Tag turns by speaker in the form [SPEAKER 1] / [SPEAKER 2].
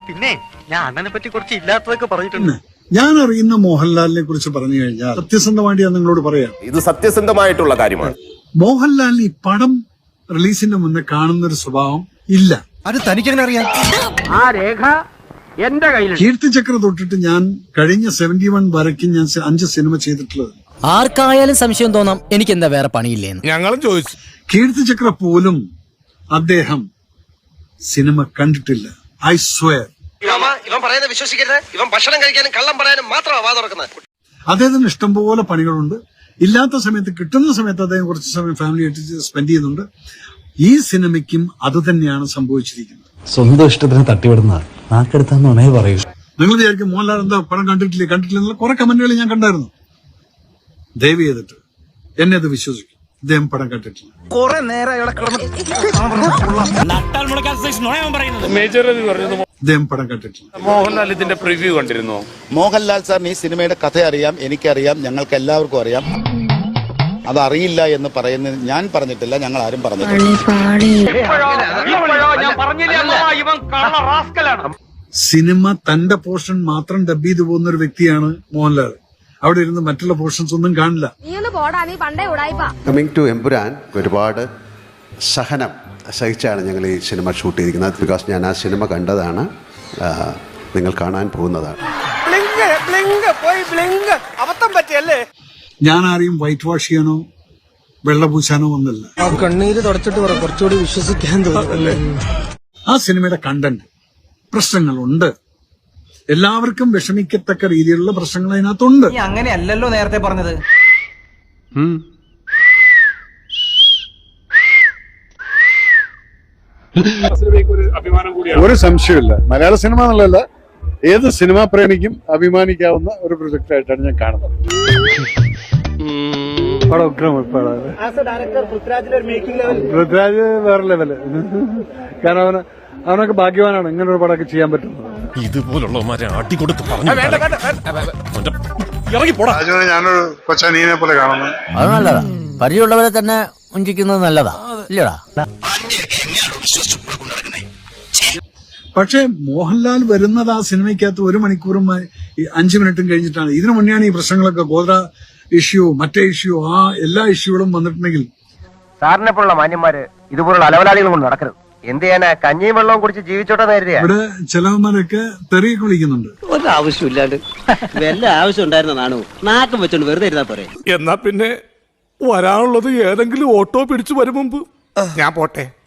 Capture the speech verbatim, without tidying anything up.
[SPEAKER 1] പിന്നെ ഞാൻ അണ്ണനെ പറ്റി കുറച്ച് ഇല്ലാത്തതൊക്കെ പറഞ്ഞിട്ടുണ്ട്.
[SPEAKER 2] ഞാൻ അറിയുന്ന മോഹൻലാലിനെ കുറിച്ച് പറഞ്ഞു കഴിഞ്ഞാൽ സത്യസന്ധമായിട്ട് ഞാൻ നിങ്ങളോട് പറയാം,
[SPEAKER 3] ഇത് സത്യസന്ധമായിട്ടുള്ള കാര്യമാണ്.
[SPEAKER 2] മോഹൻലാലിന് ഈ പടം റിലീസിന്റെ മുന്നേ കാണുന്ന ഒരു സ്വഭാവം ഇല്ല.
[SPEAKER 4] അത് തനിക്കെങ്ങനെ അറിയാം?
[SPEAKER 5] ആ രേഖ എന്റെ കയ്യിൽ.
[SPEAKER 2] കീർത്തിചക്ര തൊട്ടിട്ട് ഞാൻ കഴിഞ്ഞ സെവന്റി വൺ വരയ്ക്കും ഞാൻ അഞ്ച് സിനിമ ചെയ്തിട്ടുള്ളത്.
[SPEAKER 6] ആർക്കായാലും സംശയം തോന്നാം എനിക്ക് എന്താ വേറെ പണിയില്ലേന്ന്.
[SPEAKER 4] ഞങ്ങളും ചോദിച്ചു.
[SPEAKER 2] കീർത്തിചക്ര പോലും അദ്ദേഹം സിനിമ കണ്ടിട്ടില്ല. I swear.
[SPEAKER 7] ഇവൻ പറയുന്നത് വിശ്വസിക്കരുത്. ഇവൻ ഭക്ഷണം കഴിക്കാനും കള്ളം പറയാനും മാത്രമാണ് വാ തുറക്കുന്നത്.
[SPEAKER 2] അദ്ദേഹത്തിന് ഇഷ്ടംപോലെ പണികളുണ്ട്. ഇല്ലാത്ത സമയത്ത് കിട്ടുന്ന സമയത്ത് അദ്ദേഹം കുറച്ച് സമയം ഫാമിലി ആയിട്ട് സ്പെൻഡ് ചെയ്യുന്നുണ്ട്. ഈ സിനിമയ്ക്കും അത് തന്നെയാണ് സംഭവിച്ചിരിക്കുന്നത്.
[SPEAKER 8] സ്വന്തം ഇഷ്ടത്തിന് തട്ടിവിടുന്ന നാക്കെടുത്താന്നേ പറയൂ.
[SPEAKER 2] നിങ്ങൾ വിചാരിക്കും മോഹൻലാൽ എന്താ പടം കണ്ടിട്ടില്ലേ കണ്ടിട്ടില്ല എന്നുള്ള കുറെ കമന്റുകൾ ഞാൻ കണ്ടായിരുന്നു. ദയവ് ചെയ്തിട്ട് എന്നെ അത് വിശ്വസിക്കും, ഇദ്ദേഹം പടം കണ്ടിട്ടില്ല.
[SPEAKER 4] കുറെ നേരം
[SPEAKER 2] ഇദ്ദേഹം പടം കണ്ടിട്ടില്ല.
[SPEAKER 3] മോഹൻലാൽ ഇതിന്റെ പ്രിവ്യൂ കണ്ടിരുന്നു.
[SPEAKER 9] മോഹൻലാൽ സാറിന് ഈ സിനിമയുടെ കഥ അറിയാം, എനിക്കറിയാം, ഞങ്ങൾക്ക് എല്ലാവർക്കും അറിയാം. അതറിയില്ല എന്ന് പറയുന്നത് ഞാൻ പറഞ്ഞിട്ടില്ല, ഞങ്ങൾ ആരും പറഞ്ഞിട്ടില്ല.
[SPEAKER 2] സിനിമ തന്റെ പോർഷൻ മാത്രം ഡബ് ചെയ്തു പോകുന്ന ഒരു വ്യക്തിയാണ് മോഹൻലാൽ. അവിടെ ഇരുന്ന് മറ്റുള്ള പോർഷൻസ് ഒന്നും കാണില്ല.
[SPEAKER 10] കമ്മിങ് ടു എമ്പുരാൻ ഒരുപാട് സഹനം സഹിച്ചാണ് ഞങ്ങൾ ഈ സിനിമ ഷൂട്ട് ചെയ്തിരിക്കുന്നത്. ബിക്കോസ് ഞാൻ ആ സിനിമ കണ്ടതാണ്, നിങ്ങൾ കാണാൻ പോകുന്നതാണ്.
[SPEAKER 2] ഞാൻ ആരെയും വൈറ്റ് വാഷ് ചെയ്യാനോ വെള്ളപൂശാനോ ഒന്നല്ല.
[SPEAKER 4] കണ്ണീര് തുടച്ചിട്ട് കുറച്ചുകൂടി വിശ്വസിക്കാൻ തോന്നുന്നല്ലേ.
[SPEAKER 2] ആ സിനിമയുടെ കണ്ടന്റ് പ്രശ്നങ്ങളുണ്ട്. എല്ലാവർക്കും വിഷമിക്കത്തക്ക രീതിയിലുള്ള പ്രശ്നങ്ങൾ അതിനകത്തുണ്ട്.
[SPEAKER 5] അങ്ങനെയല്ലല്ലോ നേരത്തെ പറഞ്ഞത്.
[SPEAKER 2] ഒരു സംശയമില്ല, മലയാള സിനിമ എന്നുള്ളതല്ല, ഏത് സിനിമാ പ്രേമിക്കും അഭിമാനിക്കാവുന്ന ഒരു പ്രൊജക്ട് ആയിട്ടാണ് ഞാൻ കാണുന്നത്. പൃഥ്വിരാജ് വേറെ ലെവല്. കാരണം അവന് അവനൊക്കെ ഭാഗ്യവാനാണ് ഇങ്ങനെ ഒരു പടമൊക്കെ ചെയ്യാൻ പറ്റുന്നത്.
[SPEAKER 4] ഇതുപോലുള്ളവന്മാരെ അടികൊടുത്ത് പറഞ്ഞു
[SPEAKER 2] ഞാനൊരു കൊച്ചനീനെ പോലെ കാണുന്നു.
[SPEAKER 6] അത് നല്ലതാ, പരിചയമുള്ളവരെ തന്നെ ഉഞ്ചിക്കുന്നത് നല്ലതാ ഇല്ലടാ.
[SPEAKER 2] പക്ഷേ മോഹൻലാൽ വരുന്നത് ആ സിനിമയ്ക്കകത്ത് ഒരു മണിക്കൂറും അഞ്ചു മിനിറ്റും കഴിഞ്ഞിട്ടാണ്. ഇതിനു മുന്നെയാണ് ഈ പ്രശ്നങ്ങളൊക്കെ, ഗോത്ര ഇഷ്യൂ, മറ്റേ ഇഷ്യൂ, ആ എല്ലാ ഇഷ്യൂകളും വന്നിട്ടുണ്ടെങ്കിൽ
[SPEAKER 5] സാറിനെ പോലുള്ള മാന്യന്മാര് ഇതുപോലുള്ള അലവലാളികൾ കൊണ്ട് നടക്കരുത്. എന്ത് ചെയ്യാനാ, കഞ്ഞിയും വെള്ളവും കുടിച്ച് ജീവിച്ചോട്ടെ നേരിയ.
[SPEAKER 2] ഇവിടെ ചിലവന്മാരൊക്കെ തെറിയൊക്കെ വിളിക്കുന്നുണ്ട്.
[SPEAKER 5] ഒരാവശ്യമില്ലാണ്ട് വല്ല ആവശ്യം ഉണ്ടായിരുന്നാണോ നാക്കം വെച്ചോണ്ട് വെറുതെ ഇരുന്നാ പോരെ.
[SPEAKER 4] എന്നാ പിന്നെ വരാനുള്ളത് ഏതെങ്കിലും ഓട്ടോ പിടിച്ചു വരും മുമ്പ് ഞാൻ പോട്ടെ.